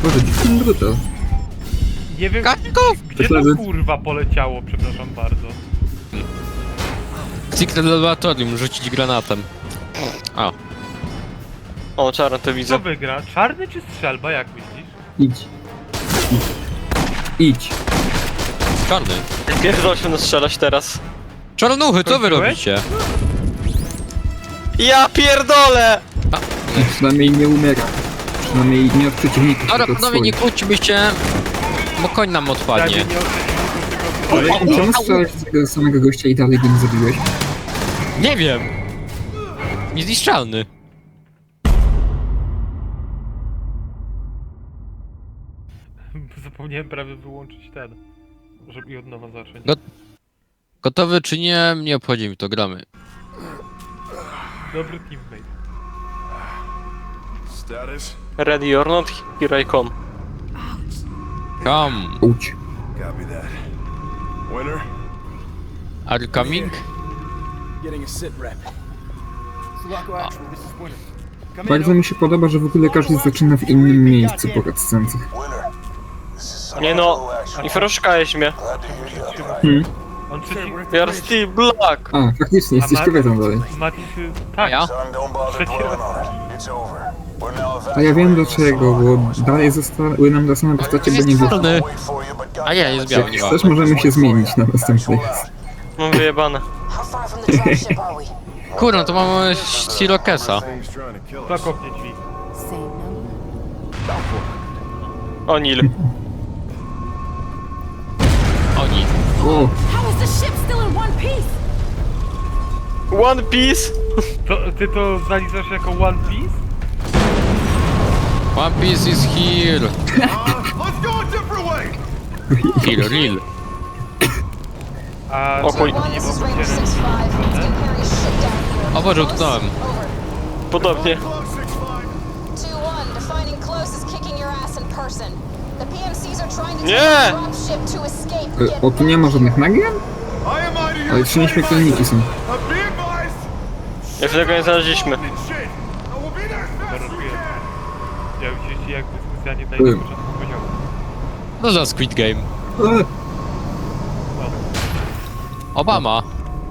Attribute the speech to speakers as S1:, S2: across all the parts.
S1: Boże, dziwny brutal.
S2: Nie wiem,
S3: Kaczków!
S2: gdzie to kurwa poleciało, przepraszam bardzo.
S3: Secret Laboratorium, rzucić granatem. A.
S4: O, czarno to
S2: Kto
S4: widzę.
S2: wygra? Czarny czy strzelba, jak myślisz?
S1: Idź. Idź.
S3: Czarny.
S4: Pierdol się nastrzelać teraz.
S3: Czarnuchy, co wy
S2: Kończyłeś?
S3: robicie?
S4: Ja pierdolę!
S1: Przynajmniej nie umiera. Przynajmniej nie od przeciwników,
S3: Dobra,
S1: tylko od
S3: panowie, nie
S1: swoich.
S3: kłóćmy się, bo koń nam odpadnie.
S2: Ja nie o przeciwników, tylko...
S1: Ale czemu strzelałeś z tego samego gościa i dalej go nie zabiłeś?
S3: Nie wiem! Niezniszczalny.
S2: Zapomniałem prawie wyłączyć ten, żeby i od nowa zacząć.
S3: No. Gotowy czy nie, nie obchodzi mi to, gramy.
S2: Dobry teammate.
S5: Status?
S4: Ready or not, here I come.
S3: Come.
S1: Uć.
S5: Copy that. Winner?
S3: Are you coming?
S6: Getting a sit rep. Sulaco Actual, this is Winter. Come in,
S1: Bardzo mi się podoba, że w ogóle każdy zaczyna w innym miejscu po cutscencach.
S4: Nie no, i froszkałeś mnie.
S2: On przeciw...
S4: You're still black.
S1: A, faktycznie, jesteś kobietą dalej.
S2: Matis...
S3: A
S2: Tak,
S3: ja?
S2: trzeci raz.
S1: A ja wiem dlaczego, bo dalej zostały nam te same postacie, bo nie wyszło.
S3: Czarny. A nie, jest biały, nie ma.
S1: Też możemy się zmienić na następny raz.
S4: Mam wyjebane.
S7: How far from the dropship are we?
S3: Kurno, to mamy Sirokesa.
S5: Thing's trying to kill us.
S2: Zakopnie drzwi.
S7: Same number.
S4: O'Neill.
S3: Oni.
S1: O,
S7: How is the ship still in one piece?
S4: One Piece?
S2: Ty to zaliczasz jako One Piece?
S3: One Piece is here.
S5: Let's go a different way!
S3: Here, real.
S2: A
S4: O chuj.
S2: nie
S7: One, this is
S2: mogą
S7: Raider
S2: się...
S7: 6-5. It's gonna carry a ship down here.
S3: O Boże,
S7: Close?
S3: utknąłem.
S7: Over.
S4: Podobnie.
S5: Close 6-5.
S7: 2-1, defining close is kicking your ass in person. The PMCs are trying to
S4: Nie!
S7: take the dropship to escape. Get
S1: o, tu nie ma żadnych nagier?
S5: I am out of here.
S1: Ale trzy nieśmiertelniki są.
S5: Be advised!
S4: Jeszcze tego nie znaleźliśmy.
S5: Shit! I will be there as fast as we
S2: Robiłem.
S5: can!
S2: Ja widzicie jak specjalnie daję
S1: Byłem.
S2: na początku poziomu.
S3: No za Squid Game. Obama.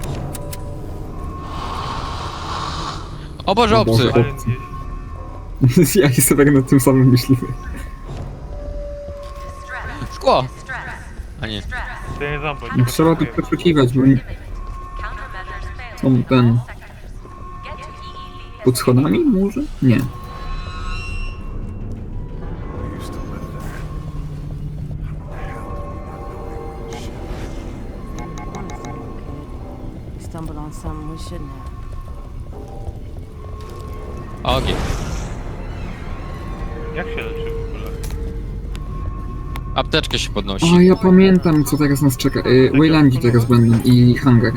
S3: O Boże,
S1: O Boże.
S3: obcy.
S2: Ale gdzieś...
S1: Ja i sobie nad tym samym myślimy.
S3: Szkło. A nie.
S2: To ja nie znam, bo
S1: Nie trzeba tu przeszukiwać, bo są ten... Pod schodami może? Nie.
S5: We used to live there.
S8: Stumbled on something we shouldn't have.
S3: Ogień.
S2: Jak się leczy w ogóle?
S3: Apteczkę się
S1: O,
S3: podnosi.
S1: ja pamiętam co teraz nas czeka. Waylandzi teraz będą i hangar.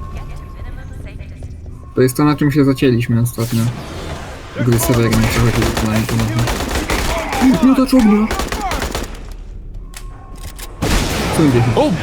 S1: To jest to, na czym się zacięliśmy ostatnio. Gry Severin, co chodzi o nami ponownie. No to czogna! Co idzie?
S3: O!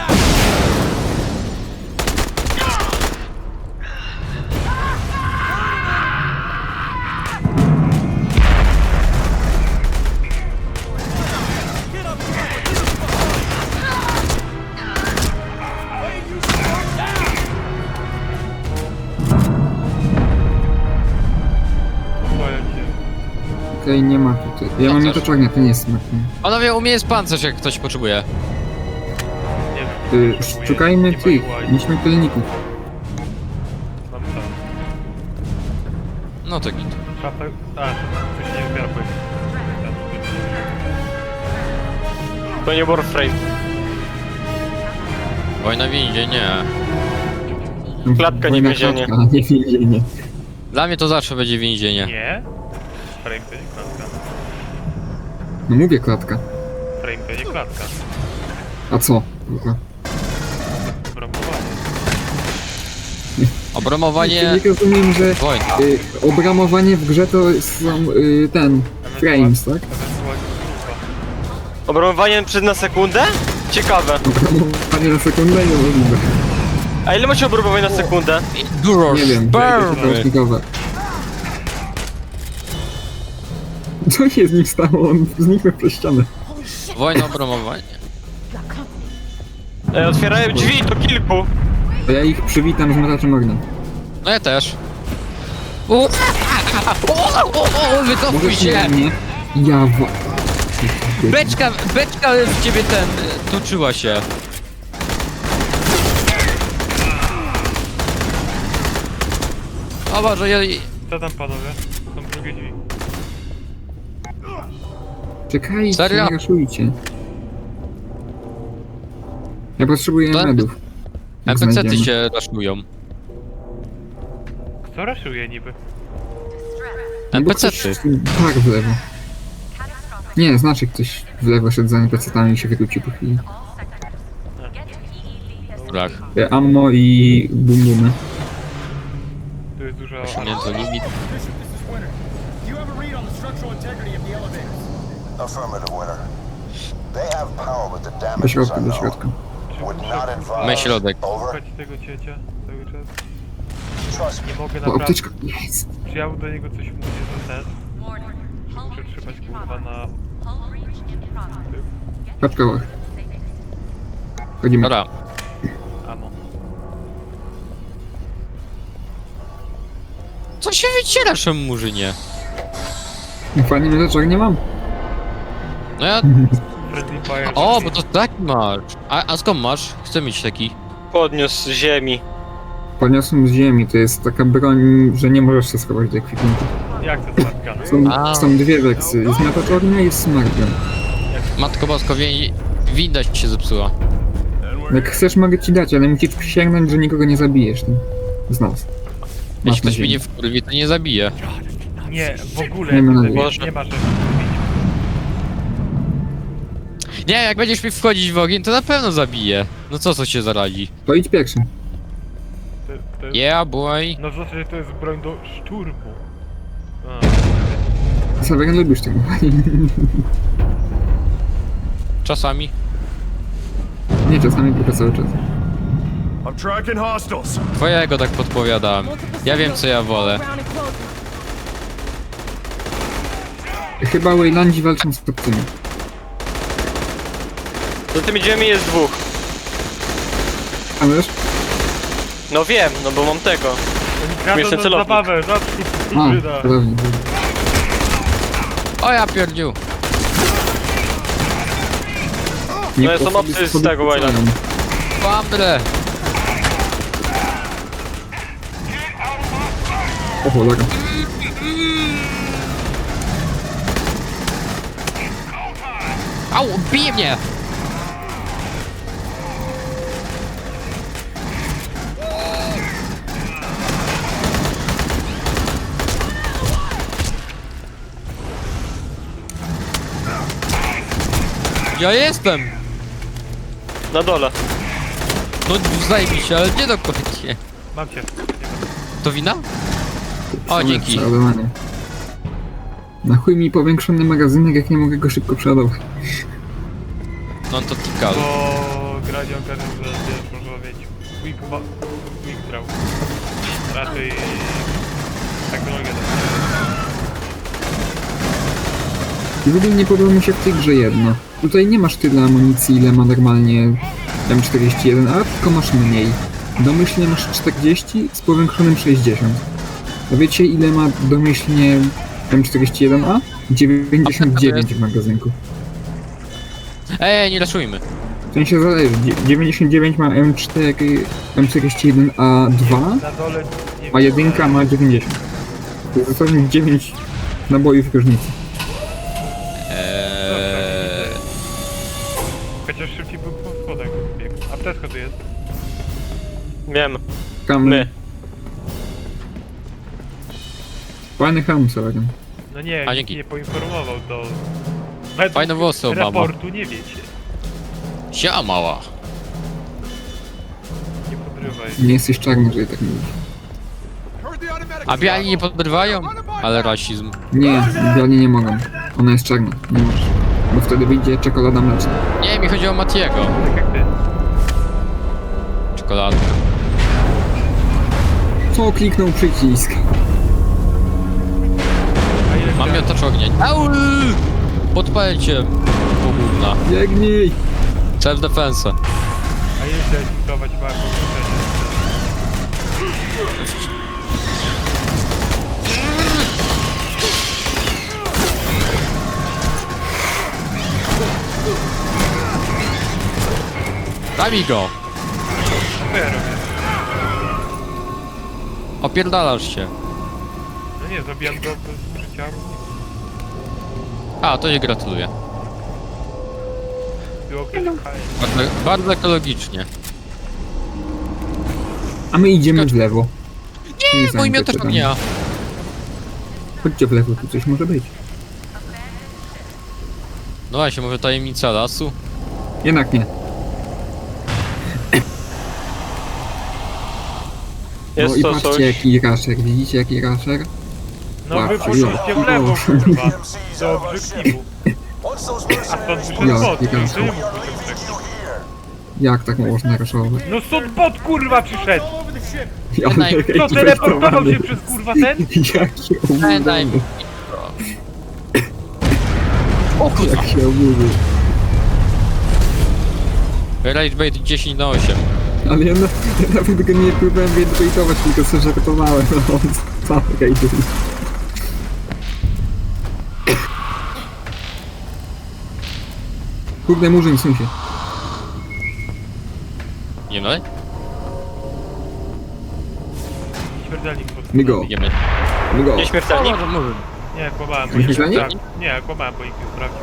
S2: Boję się.
S1: Okej, nie ma tutaj. Ja mam
S3: Pancerz.
S1: miotaczarnię, to nie jest smaczny.
S3: Panowie, u mnie jest pancerz, jak ktoś potrzebuje.
S2: Nie wiem.
S1: Szukajmy
S2: nie
S1: tych
S2: boję.
S1: nieśmiertelników.
S2: Mam tam.
S3: No to git.
S2: Szafę... A, coś nie wybiera pojęcia.
S4: To nie Warframe.
S3: Wojna w windzie, nie.
S4: Klatka, nie
S1: Wojna
S4: więzienie.
S1: klatka, nie więzienie.
S3: Dla mnie to zawsze będzie więzienie.
S2: Nie? Frame to nie klatka.
S1: No mówię klatka.
S2: Frame to nie klatka.
S1: A co? Kurwa.
S2: Bramowanie.
S3: Obramowanie...
S1: Nie rozumiem, że
S3: Wojna.
S1: obramowanie w grze to są ten... frames, tak?
S2: Ewentualnie grupa.
S4: Obramowanie przed na sekundę? Ciekawe.
S1: Obramowanie na sekundę i możliwe.
S4: A ile macie obramowań na sekundę?
S3: Duro
S1: Nie wiem,
S3: spermy.
S1: to jest Co się z nim stało? On zniknął przez ścianę.
S3: Wojna o promowanie.
S4: Otwierają drzwi, to kilku.
S1: To ja ich przywitam z miotaczem ognia.
S3: No ja też. Wycofuj
S1: Możesz
S3: się!
S1: mnie? Ja wa...
S3: Beczka w ciebie toczyła się. O Boże, ja...
S2: Co tam panowie? Są drugie drzwi.
S1: Czekajcie,
S3: Serio?
S1: nie raszujcie. Ja potrzebuję
S3: To-
S1: medów. Jak
S3: NPC-ty
S1: znajdziemy.
S3: się raszują.
S2: Kto raszuje niby?
S1: No bo ktoś-
S3: NPC-ty.
S1: Tak, w lewo. Nie, znaczy ktoś w lewo szedł za NPC-tami i się wykluczył po chwili.
S3: Brak.
S1: Ammo i bum-bumy.
S2: Tu jest dużo...
S3: Między limit.
S6: Bishop, this is Winter. Do you have a read on the structural integrity of the elevators?
S9: Affirmative, Winter. They have power, but the
S1: Do
S9: damage is
S1: środka, do
S9: unknown.
S1: środka.
S9: Would not advise.
S3: My środek.
S9: Over.
S2: Szukać tego ciecia cały czas.
S9: Trust me.
S2: Nie mogę
S1: O,
S2: naprawdę...
S1: apteczka, jest!
S2: Czy ja do niego coś mówię, że ten? Muszę trzymać kurwa na...
S1: Patrz kołach. Chodzimy.
S3: Dobra.
S2: Amo.
S3: Co się wycierasz, murzynie?
S1: Fajnie miotaczek nie mam.
S3: No ja...
S2: Friendly Fire...
S3: O, bo to taki masz. A skąd masz? Chcę mieć taki.
S4: Podniósł z ziemi.
S1: Podniosłem z ziemi, to jest taka broń, że nie możesz się schować do ekwipunku.
S2: Jak to smartgun?
S1: Są dwie wersje, jest miotacz ognia i jest smartgun.
S3: Matko Bosko, widać się zepsuła.
S1: Jak chcesz, mogę ci dać, ale musisz przysięgnąć, że nikogo nie zabijesz tym. Z nas. Masz
S3: Jeśli ktoś
S1: nadzieję.
S3: mnie nie wkurwi, to nie zabije.
S2: Nie, w ogóle
S1: Nie ma
S2: nie,
S1: nadziei.
S2: nie ma że...
S3: Nie, jak będziesz mi wchodzić w ogień, to na pewno zabije. No co się zaradzi?
S1: To idź pierwszy.
S2: To jest...
S3: Yeah, boy.
S2: No znaczy, że to jest broń do szturmu.
S1: Saweran lubisz tego.
S3: Czasami.
S1: Nie czasami, tylko cały czas.
S5: I'm tracking hostiles.
S3: Twojego tak podpowiadam. Ja wiem, co ja wolę.
S1: Chyba Waylandzi walczą z obcymi.
S4: Za tymi drzwiami jest dwóch.
S1: A wiesz?
S4: No wiem, no bo mam tego.
S2: Kradą
S4: Jeszcze
S2: na
S4: celownik.
S2: zabawę, zawsze
S1: A,
S2: hybryda.
S1: prawda.
S3: O ja pierdziu.
S1: Nie
S4: No, są
S1: po-
S4: obcy z
S1: po-
S4: tego Wayland.
S3: Bamble.
S1: O cholera.
S3: Au, bije mnie. Ja jestem!
S4: Na dole.
S3: No zajebiście, ale nie dokładnie.
S2: Mam cię.
S3: To wina? O, dzięki.
S1: Przeładowanie. Na chuj mi powiększony magazynek, jak nie mogę go szybko przeładować.
S3: No to tikal.
S2: Bo gra nie ogarnia, że wiesz, można mieć quick draw. Raczej... technologia
S1: I w ogóle nie podoba mi się w tej grze jedno. Tutaj nie masz tyle amunicji, ile ma normalnie M41A, tylko masz mniej. Domyślnie masz 40 z powiększonym 60. A wiecie, ile ma domyślnie M41A? 99 w magazynku.
S3: Ej, nie raszujmy.
S1: W sensie zależy, 99 ma M4, M41A2,
S2: na dole... Nie
S1: a jedynka ma 90. To jest dosłownie 9 nabojów różnicy.
S2: Chociaż szybciej był po schodach biegł. Apteczka tu jest.
S4: Wiem.
S1: Tam
S4: My.
S1: fajny hełm sobie.
S2: No nie,
S3: A,
S2: nikt
S3: dzięki.
S2: nie poinformował, to... Według
S3: Fajne włosy, Obama.
S2: raportu nie wiecie.
S3: Sia mała.
S2: Nie podrywaj.
S1: Nie jesteś czarny, że tak mówisz.
S5: Heard the automatic.
S3: A biali nie podrywają? Ale rasizm.
S1: Nie, biali nie mogą. Ona jest czarna, nie możesz. Bo wtedy wyjdzie czekolada mleczna.
S3: Nie, mi chodzi o Matiego.
S2: Tak jak ty.
S3: Czekolada.
S1: Co kliknął przycisk?
S2: A ile
S3: Mam
S2: chciałem-
S3: miotacz ognia. Au! Podpalcie! Pogubna.
S1: Biegnij!
S3: Self-defense.
S2: A ile chciałeś budować marką?
S3: Zabij go!
S2: Co ja robię?
S3: Opierdalasz się.
S2: No nie, zabijam go bez życia.
S3: A, to nie gratuluję.
S2: Było ktoś hajs.
S3: Bardzo ekologicznie.
S1: A my idziemy w lewo. Nie
S3: Mój miotacz ognia.
S1: Chodźcie w lewo, tu coś może być.
S3: No właśnie, może tajemnica lasu?
S1: Jednak nie. No
S4: Jest
S1: i
S4: to
S1: patrzcie
S4: coś.
S1: jaki rasher, widzicie jaki rasher?
S2: No wy
S1: Patrz,
S2: poszliście w lewo, kurwa. Do obiektywu.
S9: Once those
S2: A stąd
S9: mercenaries
S2: wyszedł
S1: Ja,
S2: bot.
S1: nie wiem.
S2: Czemu
S9: we are
S2: wyszedł
S9: leaving
S2: taki?
S9: you here.
S1: Jak tak można raszować?
S2: No stąd bot, kurwa, przyszedł.
S1: Ja
S3: Daj-
S2: Co, teleportował się przez, kurwa, ten?
S1: Jaki
S3: Daj mi.
S1: oburzony.
S3: O kurwa!
S1: Jak się oburzył.
S3: Rage bait 10 na 8.
S1: Ale ja nawet go nie próbowałem baitować, tylko sobie żartowałem. No on sam rajduje. Kurde, murzyn, sun się.
S3: Nie no?
S2: Śmiertelnik pod...
S1: My go,
S3: Idziemy.
S1: my go.
S4: Nieśmiertelnik?
S3: Może.
S2: Nie, kłamałem, bo
S1: Myślisz,
S2: nikt
S1: że nie?
S2: sprawdził. Nie, kłamałem, bo nikt nie sprawdził.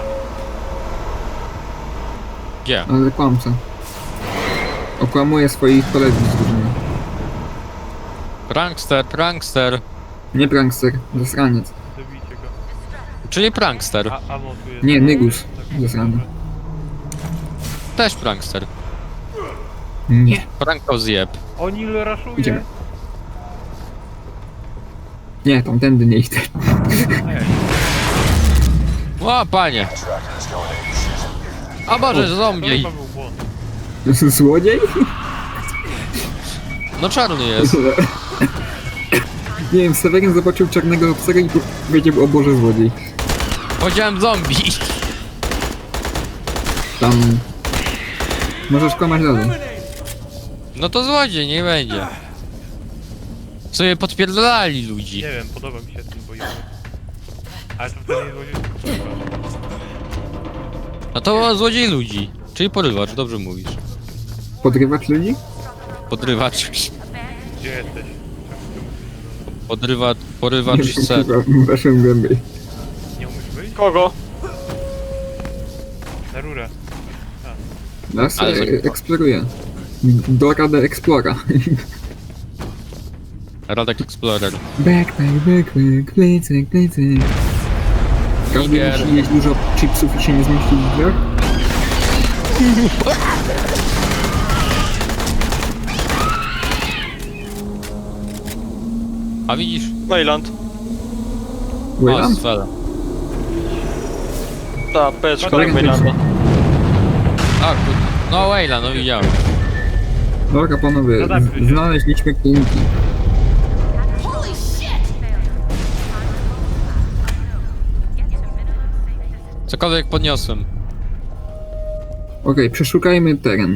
S3: Gdzie?
S1: Ale kłamca. Okłamuje swoich kolegów z drużyny.
S3: Prankster, prankster.
S1: Nie prankster, zasraniec.
S2: Zabijcie go.
S3: Czyli prankster.
S2: A amo tu jest.
S1: Nie, Nygus.
S2: Tak,
S1: Zasrany.
S3: Też prankster.
S1: Nie.
S3: Prankał zjeb.
S2: Onil raszuje.
S1: Idziemy. Nie, tamtędy nie idę.
S2: Ej,
S3: O, panie! A Boże,
S2: to
S3: zombie!
S2: chyba był błąd.
S1: Złodziej?
S3: No czarny jest.
S1: Nie wiem, Seweryn zobaczył czarnego obcego i powiedział, o Boże, złodziej.
S3: Powiedziałem zombie.
S1: Tam... Możesz kłamać dalej.
S3: No to złodziej, nie będzie. Sobie podpierdolali ludzi.
S2: Nie wiem, podoba mi się ten bojowy. Ale to wtedy nie złodziej, tylko porywacz.
S3: No to złodziej ludzi. Czyli porywacz, dobrze mówisz.
S1: Podrywać ludzi?
S3: Podrywacz.
S2: Gdzie jesteś?
S3: Porywacz chce.
S1: Weszłem głębiej.
S2: Nie umiesz wyjść?
S4: Kogo?
S2: Na rurę.
S1: Las
S3: Ale za-
S1: eksploruje. Dora de Explora.
S3: Radek Explorer.
S1: Backpack, plecak, plecak. Każdy
S3: Tiger.
S1: musi jeść dużo chipsów i się nie zmieści w drzwiach?
S3: A widzisz?
S4: Wayland.
S3: O,
S1: Wayland?
S3: sfera.
S4: Ta, peczka
S1: Wayland.
S4: Waylanda.
S3: A, kurde. No Wayla, no widziałem.
S1: Dobra, panowie,
S2: Zadamy się.
S1: znaleźliśmy kliniki.
S7: Holy shit!
S3: Cokolwiek podniosłem.
S1: Okej, przeszukajmy teren.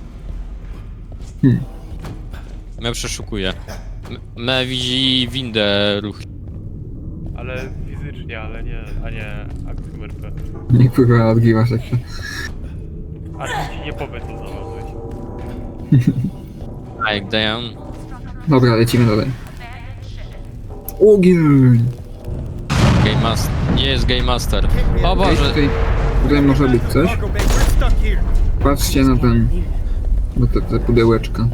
S3: Ja przeszukuję. Me widzi windę ruch.
S2: Ale fizycznie, ale nie, a nie akcją RP.
S1: Nie kurwa odgrywasz jak to.
S2: A ty ci nie powie co znalazłeś.
S3: Jak damn.
S1: Dobra, lecimy dalej. Ogień!
S3: Game Master. Nie jest Game Master. O
S1: Ej,
S3: Boże.
S1: tutaj może być coś.
S6: Cargo bay, we're stuck here.
S1: Patrzcie na ten... Na te pudełeczka.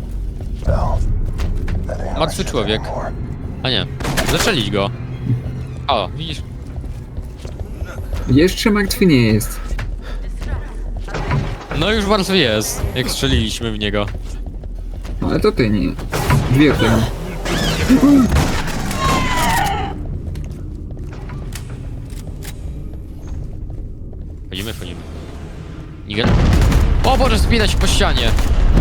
S3: Martwy człowiek. A nie. Zaczęlić go. O, widzisz?
S1: Jeszcze martwy nie jest.
S3: No już martwy jest, jak strzeliliśmy w niego.
S1: Ale to ty nie. Dwie otwieram.
S3: Wchodzimy. Niger. O Boże, spina się po ścianie.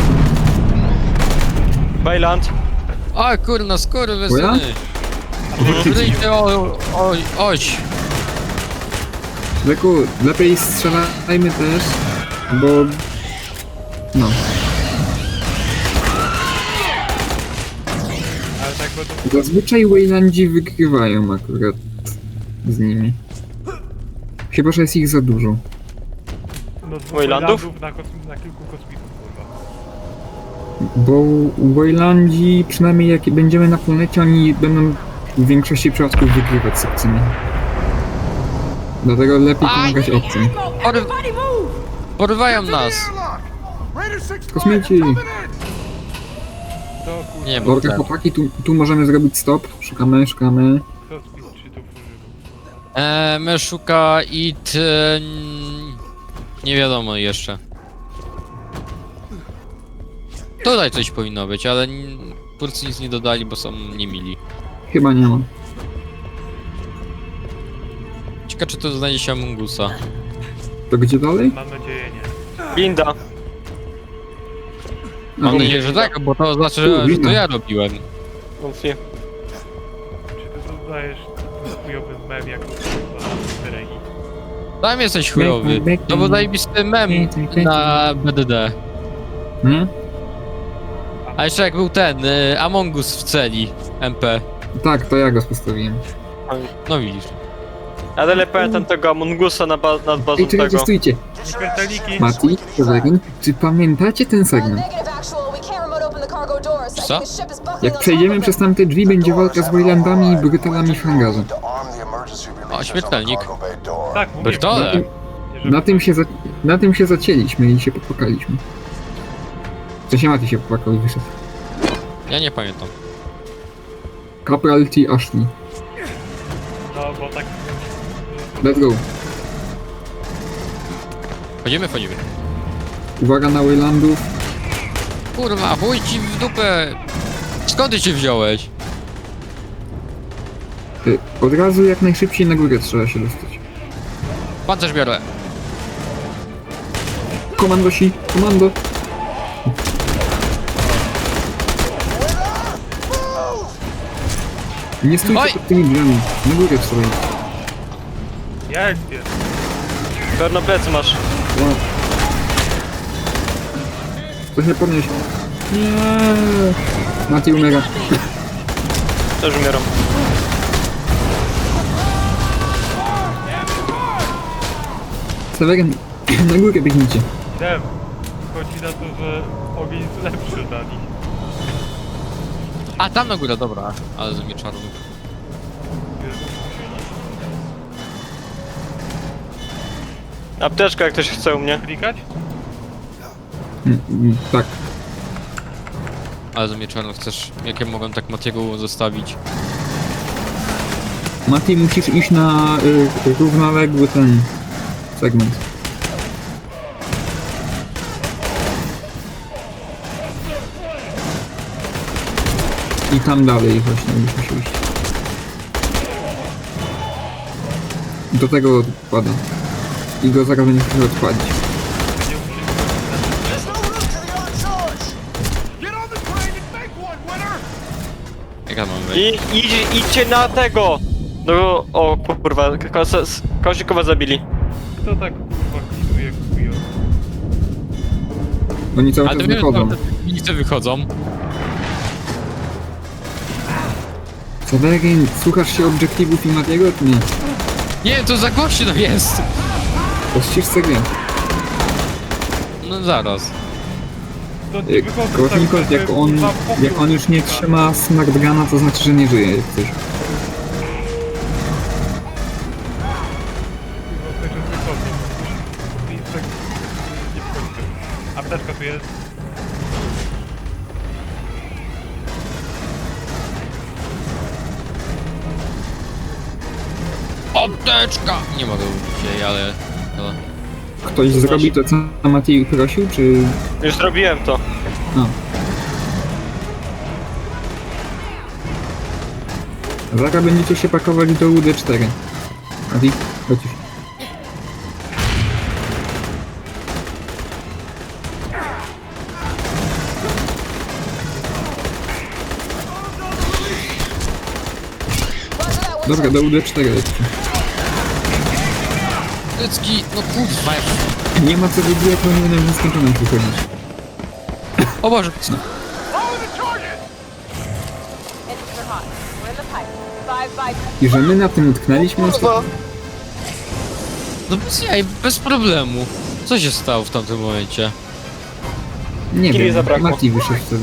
S4: Wayland.
S3: O kurna, skurwysyny.
S1: Moja?
S3: Wyjdzie, oś.
S1: Leku, lepiej strzelajmy też, bo... No.
S2: Ale tak bo to...
S1: Zazwyczaj Waylandzi wygrywają akurat z nimi. Chyba, że jest ich za dużo.
S2: No dwóch
S4: Waylandów?
S2: na kilku kosmitów, kurwa.
S1: Bo Waylandzi, przynajmniej jak będziemy na planecie, oni będą w większości przypadków wygrywać sekcjami. Dlatego lepiej pomagać obcym.
S3: Porywają nas!
S5: Raider 6
S1: Kosmici!
S2: To kurwa,
S3: Nie, bo
S1: Dobra,
S3: ten.
S1: chłopaki, tu możemy zrobić stop. Szukamy.
S2: kosmit czy to używał?
S3: My szuka it... nie wiadomo jeszcze. Tutaj coś powinno być, ale twórcy nic nie dodali, bo są niemili.
S1: Chyba nie ma.
S3: Ciekawe, czy to znajdzie się Amungusa.
S1: To gdzie dalej?
S2: Mam nadzieję nie.
S4: Linda.
S3: Mam nadzieję, że tak, bo to znaczy, że to
S1: winda.
S3: ja robiłem.
S4: Wątpię.
S2: Czy ty dodajesz chujowy mem jako kurwa Beregi?
S3: Tam jesteś chujowy. To był zajebisty mem na BDD.
S1: Nie?
S3: A jeszcze jak był ten, Among Us w celi, MP.
S1: Tak, to ja go postawiłem.
S3: No widzisz.
S4: Ja dalej pamiętam tego Amungusa nad bazą
S1: Ej, czekajcie,
S4: tego.
S1: stójcie.
S2: Śmiertelniki!
S1: Mati, Severin, czy pamiętacie ten segment?
S7: Negative actual. We can't remote open the cargo doors. I
S3: Co?
S7: think the ship is buckling
S1: Jak
S7: on
S1: przejdziemy
S7: top of
S1: przez
S7: it.
S1: tamte drzwi, będzie walka z Waylandami i Brutalami w hangarze.
S3: O, śmiertelnik.
S2: Tak, mówię.
S3: Bertole!
S1: Na tym się zacięliśmy i się popłakaliśmy. Co się Mati się popłakał i wyszedł.
S3: Ja nie pamiętam.
S1: Kapral T. Ashley.
S2: No, bo tak...
S1: Let's go.
S3: Wchodzimy?
S1: Uwaga na Waylandów.
S3: Kurwa, chuj ci w dupę! Skąd ty się wziąłeś?
S1: Od razu jak najszybciej na górę trzeba się dostać.
S3: Pancerz biorę.
S1: Komandosi, komando. Nie stójcie
S3: Oj!
S1: pod tymi drzwiami. Na górę trzeba iść.
S2: Ja ekspię.
S4: Pewno plecy masz.
S1: Wow. To się podnieść. Nie. Mati umiera.
S4: Też umieram.
S1: Severin, na górę biegnijcie.
S2: Dem. Chodzi na to, że ogień jest lepszy dla nich.
S3: A, tam na górę, dobra. Ale ze mnie czarnów.
S4: Apteczka jak ktoś chce u mnie.
S2: Klikać?
S1: Tak.
S3: Ale ze mnie czarnów chcesz... Jak ja mogłem tak Matiego zostawić?
S1: Mati, musisz iść na równoległy ten segment. I tam dalej właśnie byś musiał iść. Do tego odpada. I go zaraz będzie chciał odpalić.
S5: There's no room to the on-charge! Get on the train and make one, winner!
S3: Jak ja mam wejść?
S4: Idźcie na tego! No, o kurwa, Kozikowa zabili.
S2: Kto tak kurwa klinuje chujowo?
S1: Oni cały
S3: Ale
S1: czas
S3: to wiem,
S1: wychodzą.
S3: że te wychodzą.
S1: Severin, słuchasz się obiektywów i Matiego, czy nie?
S3: Nie, to za głośno jest!
S1: To ścisz grę.
S3: No zaraz.
S2: To nie wychodzą
S1: Kołownikov,
S2: tak,
S1: jak
S2: żeby,
S1: on,
S2: kurwa, popiół,
S1: jak on już nie
S2: kurwa.
S1: trzyma smartgana, to znaczy, że nie żyje jak coś.
S2: Kurwa, ktoś już wychodzi. I tak nie wchodzi. Apteczka tu jest.
S3: Apteczka! Nie mogę użyć jej, ale... No.
S1: Ktoś zrobi to, co Mati prosił, czy...
S4: Już zrobiłem to.
S1: No. Zaraz będziecie się pakować do UD4. Mati, chodź już.
S7: Roger that,
S1: Dobra, do UD4 lećcie.
S3: Tycki, no kurwa.
S1: Nie ma co wybijać, bo nie będę w nieskończoność wychodzić.
S3: O Boże.
S7: Engines are hot. We're in the pipe. 5 by
S1: I że my na tym utknęliśmy ostatnio.
S3: No bez jaj, bez problemu. Co się stało w tamtym momencie?
S1: Nie
S4: Kili
S1: wiem,
S4: zabrakło.
S1: Mati wyszedł wtedy.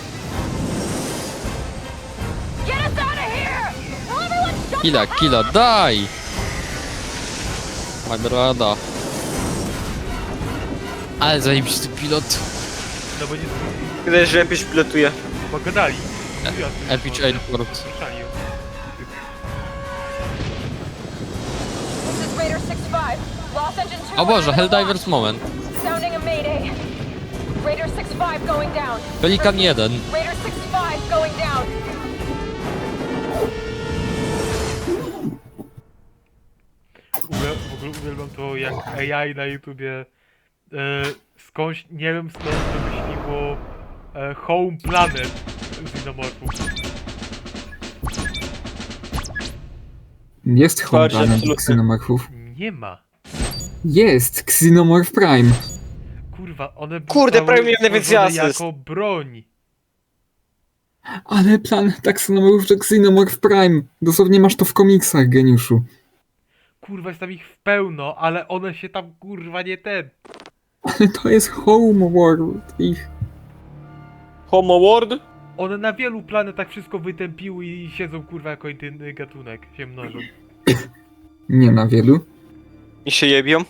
S7: Get us out of here! Will everyone shut
S3: Killa, daj! Magrada. Ale zajebisty pilot.
S2: No bo nie
S4: Widać, że jakoś pilotuje.
S2: pogadali.
S3: Epic Airport.
S2: Słyszeli.
S7: This is Raider 6-5. Lost engine 2.
S3: O Boże,
S7: and
S3: Helldivers moment.
S7: Sounding a mayday. Raider 6-5 going down.
S3: Pelikan 1.
S7: Raider 6-5 going down.
S2: W ogóle uwielbiam to, jak AI na YouTubie skądś, nie wiem skąd wymyśliło Home Planet z Xenomorphów.
S1: Jest
S4: Chodź,
S1: Honda na
S4: absolutnie.
S1: Xenomorphów.
S2: Nie ma.
S1: Jest! Xenomorph Prime!
S2: Kurwa, one
S4: Kurde,
S2: zostały
S4: prawie miałem najwięcej
S2: stworzone
S4: asyst.
S2: jako broń.
S1: Ale plan taksonomorów to Xenomorph Prime! Dosłownie masz to w komiksach, geniuszu.
S2: Kurwa, jest tam ich w pełno, ale one się tam kurwa nie ten.
S1: Ale to jest Homeworld ich.
S4: Homo World?
S2: One na wielu planetach wszystko wytępiły i siedzą kurwa jako inny gatunek, się mnożą.
S1: Nie na wielu.
S4: I się jebią.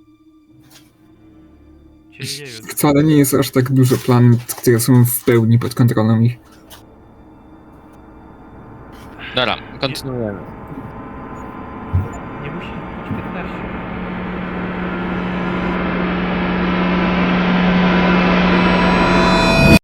S2: Się nie wiem.
S1: Wcale nie jest aż tak dużo planet, które są w pełni pod kontrolą ich.
S3: Dobra, kontynuujemy.
S2: Nie musi być 15.